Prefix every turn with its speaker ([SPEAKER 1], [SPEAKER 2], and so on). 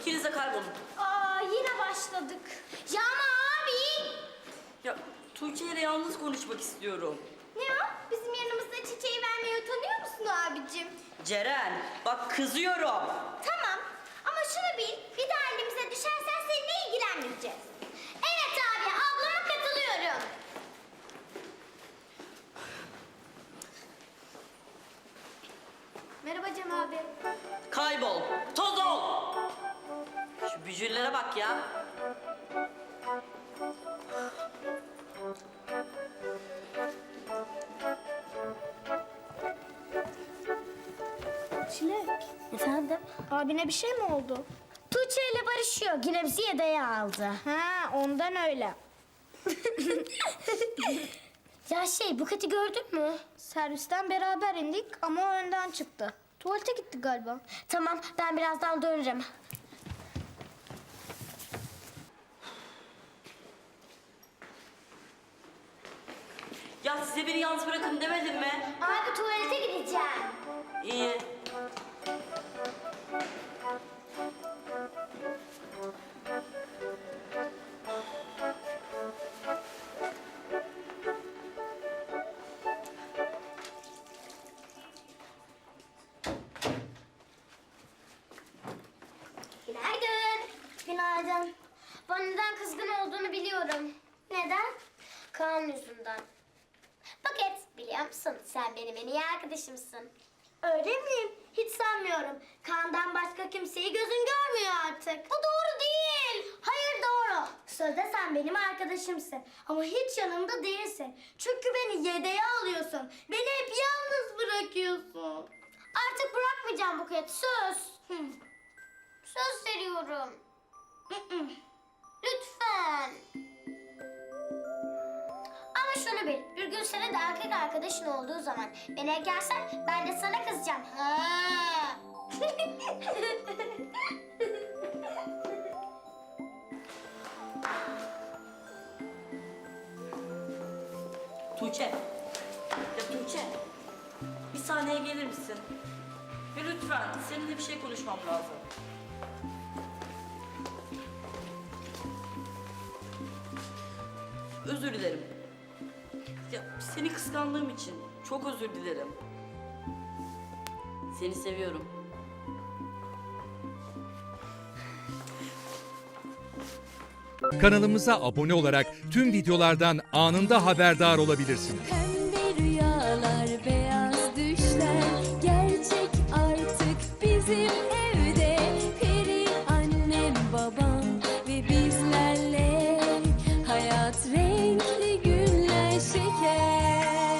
[SPEAKER 1] İkiniz de kaybolun.
[SPEAKER 2] Aa, yine başladık. Ya ama abi.
[SPEAKER 1] Ya Tuğçe ile yalnız konuşmak istiyorum.
[SPEAKER 2] Ne o? Bizim yanımızda çiçeği vermeye utanıyor musun abicim?
[SPEAKER 1] Ceren, bak kızıyorum.
[SPEAKER 2] Tamam ama şunu bil, bir daha elimize düşersen seninle ilgilenmeyeceğiz. Evet abi, ablama katılıyorum. Merhaba Cem abi.
[SPEAKER 1] Kaybol, toz ol. Şu bücürlere bak ya.
[SPEAKER 2] Çilek. Efendim? Abine bir şey mi oldu? Tuğçe ile barışıyor. Yine bizi yedeğe aldı. Ha, ondan öyle. Ya Buket'i gördün mü? Servisten beraber indik ama o önden çıktı. Tuvalete gitti galiba. Tamam, ben birazdan dönerim.
[SPEAKER 1] Ya size beni yalnız bırakın demedim mi?
[SPEAKER 2] Abi tuvalete gideceğim.
[SPEAKER 1] İyi.
[SPEAKER 2] Günaydın. Günaydın. Bana neden kızgın olduğunu biliyorum. Neden? Kaan yüzünden. Buket, biliyor musun? Sen benim en iyi arkadaşımsın. Öyle miyim? Hiç sanmıyorum. Kaan'dan başka kimseyi gözün görmüyor artık. Bu doğru değil. Hayır doğru. Sözde sen benim arkadaşımsın. Ama hiç yanımda değilsin. Çünkü beni yedeğe alıyorsun. Beni hep yalnız bırakıyorsun. Artık bırakmayacağım Buket. Söz. Söz veriyorum. Lütfen. Ama şunu bil, bir gün senin de erkek arkadaşın olduğu zaman beni ekersen ben de sana kızacağım. Ha.
[SPEAKER 1] Tuğçe. Ya Tuğçe. Bir saniye gelir misin? Ya lütfen, seninle bir şey konuşmam lazım. Özür dilerim. Ya seni kıskandığım için çok özür dilerim. Seni seviyorum.
[SPEAKER 3] Kanalımıza abone olarak tüm videolardan anında haberdar olabilirsiniz.